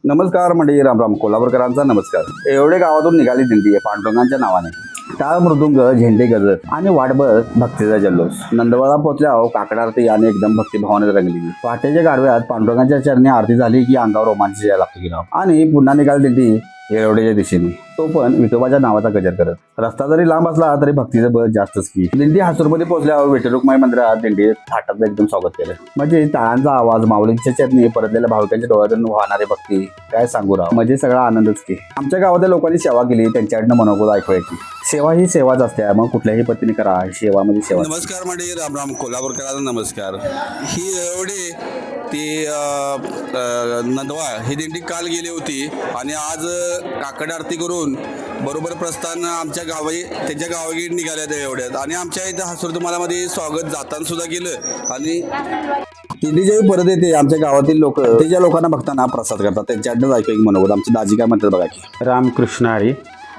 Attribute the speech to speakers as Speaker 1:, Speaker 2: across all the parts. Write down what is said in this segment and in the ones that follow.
Speaker 1: नमस्कार मंडळी, रामराम कोल्हापूरकरांचा नमस्कार. एवढे गावातून निघाली दिंडी आहे पांडुरंगांच्या नावाने. टाळ मृदुंग, झेंडे गजर आणि वाटभर भक्तीचा जल्लोष. नंदवाळा पोचल्यावर काकड आरती आणि एकदम भक्तिभावाने रंगली. पहाटेच्या गाडव्यात पांडुरंगाच्या चरणी आरती झाली की अंगावर रोमांच यायला लागतो की राव. आणि पुन्हा निघाली दिंडी येळवड्याच्या दिशेने, तो पण विठोबाच्या नावाचा गजर करत. रस्ता जरी लांब असला तरी भक्तीचं बळ जास्तच की. दिंडी हासूरमध्ये पोहोचल्यावर विठ्ठलरुक्माई मंदिरात दिंडी थाटाचं एकदम स्वागत केलं. म्हणजे टाळांचा आवाज, माऊलींच्या चरणी परतलेल्या भाविकांच्या डोळ्यातून वाहणारी भक्ती, काय सांगू राव, म्हणजे सगळा आनंदच की. आमच्या गावातल्या लोकांनी सेवा केली, त्यांच्याकडनं मनोगत ऐकवायची. सेवा ही सेवाच असते, मग कुठल्याही पद्धतीने करा, सेवा म्हणजे सेवा.
Speaker 2: नमस्कार मंडळी, रामराम कोल्हापूरकरांना नमस्कार. ही एवढी ती नंदवाळ ही दिंडी काल गेली होती आणि आज काकड आरती करून बरोबर प्रस्थान आमच्या गावी त्यांच्या गावी निघाल्या एवढ्यात. आणि आमच्या इथं हासूर तुम्हाला मध्ये स्वागत जाताना सुद्धा केलं. आणि
Speaker 1: दिंडी जेव्हा परत येते, आमच्या गावातील लोक ते ज्या लोकांना बघताना प्रसाद करतात, त्यांच्याकडनं ऐकू एक मनोगत. आमची दाजी काय म्हणतात बघा की.
Speaker 3: रामकृष्ण हरी.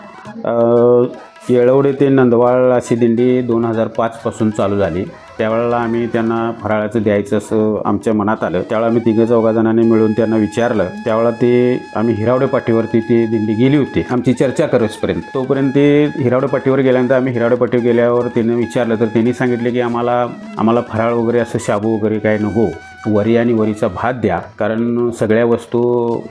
Speaker 3: येळवडे ते नंदवाळ अशी दिंडी 2005 पासून चालू झाली. त्यावेळेला आम्ही त्यांना फराळाचं द्यायचं असं आमच्या मनात आलं. त्यावेळेला आम्ही 3-4 जणांनी मिळून त्यांना विचारलं. त्यावेळेला ते आम्ही हिरावडे पाटीवरती ती दिंडी गेली होती आमची चर्चा करूसपर्यंत. तोपर्यंत ते हिरावडे पाटीवर गेल्यानंतर आम्ही हिरावडे पाटीवर गेल्यावर त्यांनी विचारलं, तर त्यांनी सांगितले की आम्हाला फराळ वगैरे असं शाबू वगैरे काय नको, वरी आणि वरीचा भात द्या, कारण सगळ्या वस्तू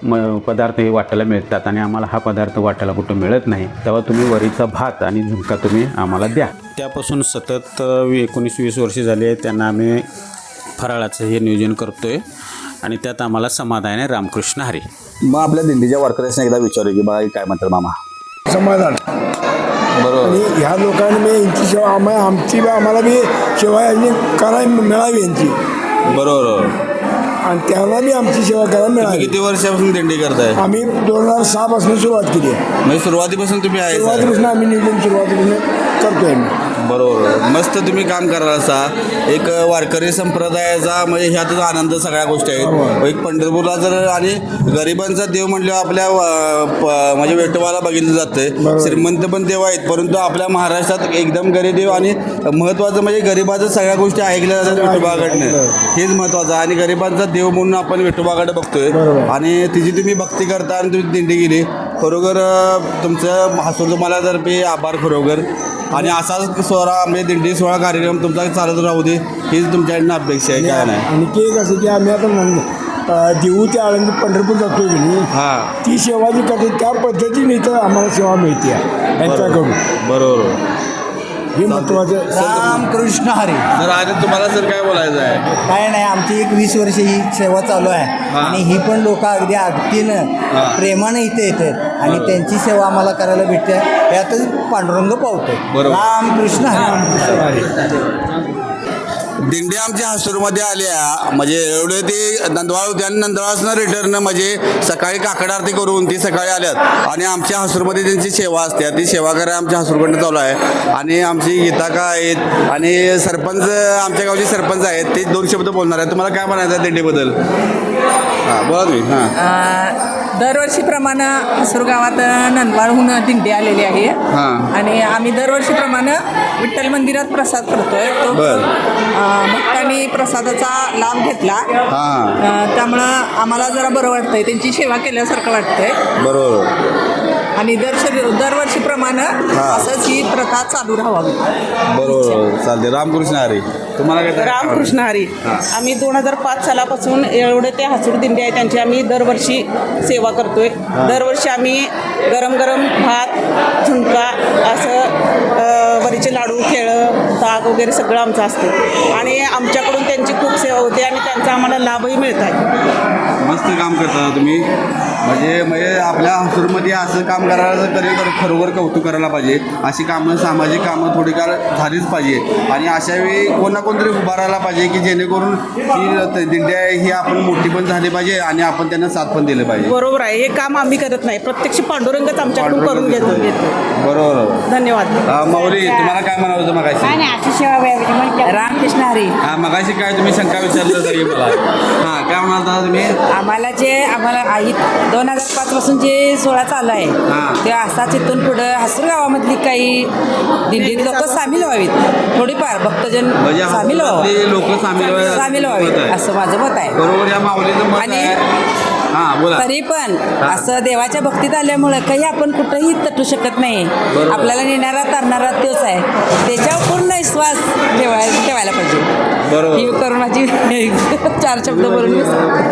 Speaker 3: पदार्थ हे वाटायला मिळतात आणि आम्हाला हा पदार्थ वाटायला कुठं मिळत नाही. तेव्हा तुम्ही वरीचा भात आणि झुणका तुम्ही आम्हाला द्या. त्यापासून सतत 19-20 वर्षे झाली आहे त्यांना आम्ही फराळाचं हे नियोजन करतो आहे आणि त्यात आम्हाला समाधान आहे. रामकृष्ण हरी.
Speaker 1: मग आपल्या दिंडीच्या वारकऱ्यांना एकदा विचारू की बघा काय म्हणतात मामा.
Speaker 4: समाधान
Speaker 1: बरोबर.
Speaker 4: आणि ह्या लोकांनी मी यांची सेवा आम्हाला बी सेवा यांनी करायला मिळावी यांची.
Speaker 1: बरोबर.
Speaker 4: आणि त्यांना बी आमची सेवा करायला मिळावी.
Speaker 1: किती वर्षापासून दिंडी करताय?
Speaker 4: आम्ही 2006 पासून सुरुवात केली आहे.
Speaker 1: म्हणजे सुरुवातीपासून तुम्ही आहे?
Speaker 4: सुरुवातीपासून आम्ही नियोजन सुरुवातीपासून करतोय आम्ही.
Speaker 1: बरोबर. मस्त तुम्ही काम कराल असा एक वारकरी संप्रदायाचा, म्हणजे ह्यातच आनंद सगळ्या गोष्टी आहेत. एक पंढरपूरला जर आणि गरिबांचा देव म्हटल्यावर आपल्या म्हणजे विठोबाला बघितलं जातं. श्रीमंत पण देव आहेत, परंतु आपल्या महाराष्ट्रात एकदम गरीब देव आणि महत्त्वाचं म्हणजे गरिबाचं सगळ्या गोष्टी ऐकल्या जातात विठोबाकडनं. हेच महत्त्वाचं. आणि गरिबांचा देव म्हणून आपण विठोबाकडे बघतोय आणि तिची तुम्ही भक्ती करता आणि तुम्ही दिंडी गेली. खरोखर तुमचं हासूर तुम्हाला तर्फे आभार खरोखर. आणि असाच म्हणजे दिंडी सोहळा कार्यक्रम तुमचा चालत राहू दे, हीच तुमच्याकडनं अपेक्षा आहे. काय नाही.
Speaker 4: आणि ते कसं की आम्ही आता देऊ ते आळंदी पंढरपूर जातोय की नाही,
Speaker 1: हां,
Speaker 4: ती सेवा जी करते त्या पद्धतीने इथं आम्हाला सेवा मिळते यांच्याकडून.
Speaker 1: बरोबर.
Speaker 4: हे महत्त्वाचं.
Speaker 5: रामकृष्ण हरी.
Speaker 1: तर आज तुम्हाला सर काय बोलायचं आहे?
Speaker 5: काय नाही, आमची एक 20 वर्ष ही सेवा चालू आहे आणि ही पण लोक अगदी अगदीनं प्रेमानं इथे येतात आणि त्यांची सेवा आम्हाला करायला भेटते. यातच पांडुरंग पावतोय. रामकृष्ण हरी.
Speaker 2: दिंडी आमच्या हासूरमध्ये आल्या म्हणजे एवढे ते नंदवाळ होते आणि नंदवाळासनं रिटर्न म्हणजे सकाळी काकड आरती करून ती सकाळी आल्यात आणि आमच्या हासूरमध्ये त्यांची सेवा असते. ती सेवा करायला आमच्या हासूरकडनं चालू आहे. आणि आमची गीताका आहेत आणि सरपंच, आमच्या गावचे सरपंच आहेत, ते 2 शब्द बोलणार आहेत. तुम्हाला काय म्हणायचं आहे दिंडीबद्दल? हां, बोला तुम्ही. हां.
Speaker 6: दरवर्षीप्रमाणे हासूर गावात नंदवाळहून दिंडी आलेली आहे आणि आम्ही दरवर्षीप्रमाणे विठ्ठल मंदिरात प्रसाद करतोय. तो भक्तांनी प्रसादाचा लाभ घेतला, त्यामुळं आम्हाला जरा बरं वाटतंय, त्यांची सेवा केल्यासारखं वाटतंय.
Speaker 1: बरोबर.
Speaker 6: आणि दरवर्षीप्रमाणे असंच ही प्रथा चालू राहावी.
Speaker 1: बरोबर. चालते. रामकृष्ण हरी. तुम्हाला काय?
Speaker 7: रामकृष्ण हरी. आम्ही 2005 सालापासून येळवडे ते हासूर दिंडी आहे त्यांची आम्ही दरवर्षी सेवा करतोय. दरवर्षी आम्ही गरम गरम भात, झुणका, असं वरीचे लाडू, केळं, ताक वगैरे सगळं आमचं असतं आणि आमच्याकडून त्यांची खूप सेवा होते आणि त्यांचा आम्हाला लाभही मिळत आहे.
Speaker 2: मस्त काम करता तुम्ही. म्हणजे आपल्या हासूरमध्ये असं काम करायला खरोखर कौतुक करायला पाहिजे. अशी कामं, सामाजिक कामं थोडीफार झालीच पाहिजे आणि अशा वेळी कोण ना कोणतरी उभा राहायला पाहिजे की जेणेकरून ही दिंडी आहे ही आपण मोठी पण झाली पाहिजे आणि आपण त्यांना साथ पण दिलं पाहिजे.
Speaker 7: बरोबर आहे. हे काम आम्ही करत नाही, प्रत्यक्ष पांडुरंगच आमच्याकडून करून घेतो.
Speaker 1: बरोबर.
Speaker 7: धन्यवाद.
Speaker 1: माऊली, तुम्हाला काय म्हणावं होतं मगाशी?
Speaker 6: रामकृष्ण हरी.
Speaker 1: हां, मगाशी काय तुम्ही शंका विचारलं तरी मला. हां, काय म्हणाल तुम्ही?
Speaker 6: आम्हाला आई 2005 पासून जे सोहळा चालू आहे ते असाच इथून पुढं हासूर गावामधली काही दिंडीत लोक सामील व्हावीत, थोडीफार भक्तजन सामील
Speaker 1: लोक सामील
Speaker 6: व्हावीत असं माझं मत आहे.
Speaker 1: बरोबर. या माऊलीचं मत आहे.
Speaker 2: हां बोला.
Speaker 8: तरी पण असं देवाच्या भक्तीत आल्यामुळं काही आपण कुठंही तटू शकत नाही. आपल्याला नेणारा तरणारा तोच आहे. त्याच्यावर पूर्ण विश्वास ठेवायला पाहिजे.
Speaker 2: बरोबर.
Speaker 8: ही करून माझी 4 शब्द बोलून मी सांगते.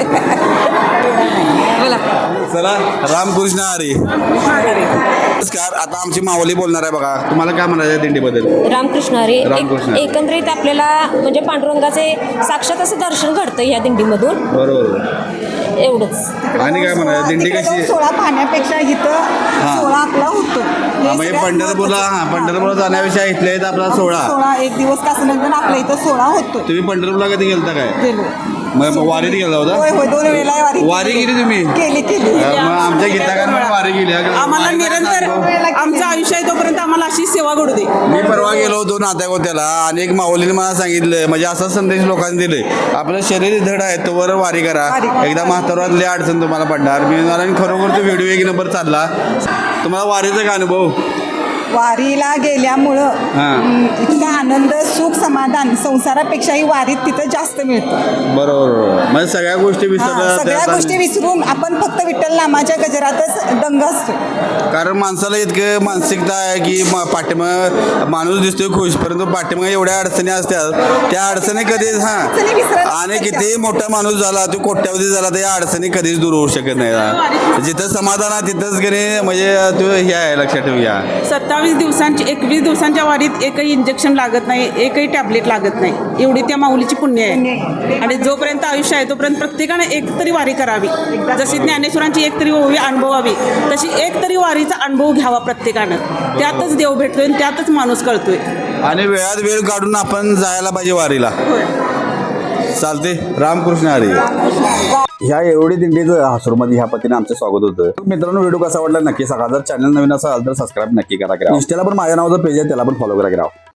Speaker 8: बोला.
Speaker 2: चला रामकृष्ण हरी. नमस्कार. आता आमची माऊली बोलणार आहे बघा. तुम्हाला काय म्हणायचं दिंडीबद्दल?
Speaker 9: रामकृष्ण हरी.
Speaker 2: रामकृष्ण हरी.
Speaker 9: एकंदरीत आपल्याला म्हणजे पांडुरंगाचे साक्षात असं दर्शन घडतं या दिंडीमधून.
Speaker 2: बरोबर.
Speaker 9: एवढंच.
Speaker 2: आणि काय म्हणायचं दिंडी कशी?
Speaker 7: सोळा पाहण्यापेक्षा इथं सोळा आपला होतो.
Speaker 2: म्हणजे पंढरपूरला जाण्याविषयी इथल्या इथं आपला 16.
Speaker 7: एक दिवस का असं आपल्या इथं 16 होतो.
Speaker 2: तुम्ही पंढरपूरला कधी गेलता काय?
Speaker 7: गेलो.
Speaker 2: मग वारीत गेला होता?
Speaker 7: होय 2 वेळेला
Speaker 2: वारी केली तुम्ही?
Speaker 7: केली.
Speaker 2: मग आमच्या गीताकांना वारी केली.
Speaker 7: आम्हाला निरंतर आमचं आयुष्य आहे तोपर्यंत आम्हाला अशी सेवा घडू दे.
Speaker 2: मी परवा गेलो होतो नात्यागोत्याला आणि एक माऊलीने मला सांगितलं, म्हणजे असा संदेश लोकांनी दिले, आपलं शरीर धड आहे तोवर वारी करा. एकदा म्हातारातली अडचण तुम्हाला पडणार. मी मला खरोखर तो व्हिडिओ 1 नंबर चालला. तुम्हाला वारीचा काय अनुभव?
Speaker 7: वारीला गेल्यामुळं इतका आनंद सुख समाधान संसारापेक्षाही वारीत तिथं जास्त मिळतं.
Speaker 2: बरोबर. म्हणजे सगळ्या गोष्टी
Speaker 7: सगळ्या गोष्टी विसरून आपण फक्त विठ्ठल नामाच्या गजरातच दंग असतो.
Speaker 2: कारण माणसाला इतकं मानसिकता आहे की पाठीमाग माणूस दिसतोय खुश, परंतु पाठीमाग एवढ्या अडचणी असतात. त्या अडचणी कधीच आणि किती मोठा माणूस झाला, तो कोट्यावधी झाला, तर या अडचणी कधीच दूर होऊ शकत नाही. जिथं समाधान आहे तिथंच गेले म्हणजे तो हे आहे, लक्षात ठेवूया.
Speaker 7: 21 दिवसांच्या वारीत एकही इंजेक्शन लागत नाही, एकही टॅबलेट लागत नाही. एवढी त्या माऊलीची पुण्य आहे. आणि जोपर्यंत आयुष्य आहे तोपर्यंत प्रत्येकाने एक तरी वारी करावी. जशी ज्ञानेश्वरांची एक तरी ओवी अनुभवावी, तशी एक तरी वारीचा अनुभव घ्यावा प्रत्येकानं. त्यातच देव भेटतोय आणि त्यातच माणूस कळतोय.
Speaker 2: आणि वेळात वेळ काढून आपण जायला पाहिजे वारीला. चालते. रामकृष्ण हरी.
Speaker 1: ह्या एवढी दिंडीचं हासूरमध्ये ह्या पतीने आमचं स्वागत होतं. मित्रांनो, व्हिडिओ कसा वाटला नक्की सांगा. जर चॅनल नवीन असाल तर सबस्क्राईब नक्की करा. इंस्टाला पण माझ्या नावाचं पेज आहे, त्याला पण फॉलो करा.